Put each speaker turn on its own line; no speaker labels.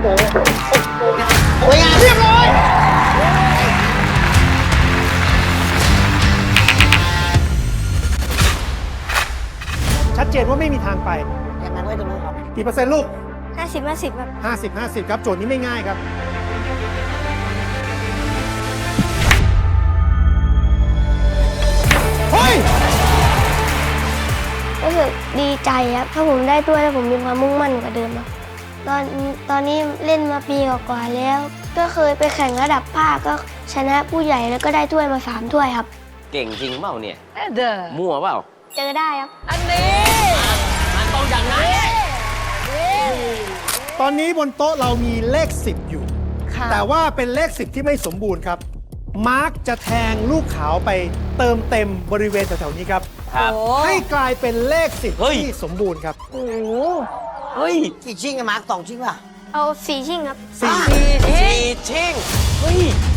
โอ้ยเรียบร้อยชัดเจนว่าไม่มีทางไปอย่างนั้นไว้ตรงนู้นครับกี่เปอร์เซ็นต์ลูก
50-50ครับ
50-50 ครับ โจทย์นี้ไม่ง่ายครับ เฮ้ย
รู้สึกดีใจครับ ถ้าผมได้ถ้วยแล้วผมมีความมุ่งมั่นกว่าเดิมครับตอนนี้เล่นมาปีกว่าๆแล้ว ก็เคยไปแข่งระดับภาคก็ชนะผู้ใหญ่แล้วก็ได้ถ้วยมา3 ถ้วยครับ
เก่งจริงเปล่าเนี่ย
เด้อ
มั่วเปล่า
เจอได้ครับ
อันนี้
มันต้องอย่างนั้น
ตอนนี้บนโต๊ะเรามีเลข 10 อยู่
ค่ะ
แต่ว่าเป็นเลข 10 ที่ไม่สมบูรณ์ครับ มาร์กจะแทงลูกขาวไปเติมเต็มบริเวณแถวๆนี้ครับ
ครับ
โอ้
ให้กลายเป็นเลข 10
เฮ้ย
ที่สมบูรณ์ครับ
โอ้โห
เฮ้ย
กี่ชิ่งอะมาร์ค2 ชิ่งป่ะ
เอา4 ชิ่งครับ
สี่
สี่
สี่ชิงเฮ้ย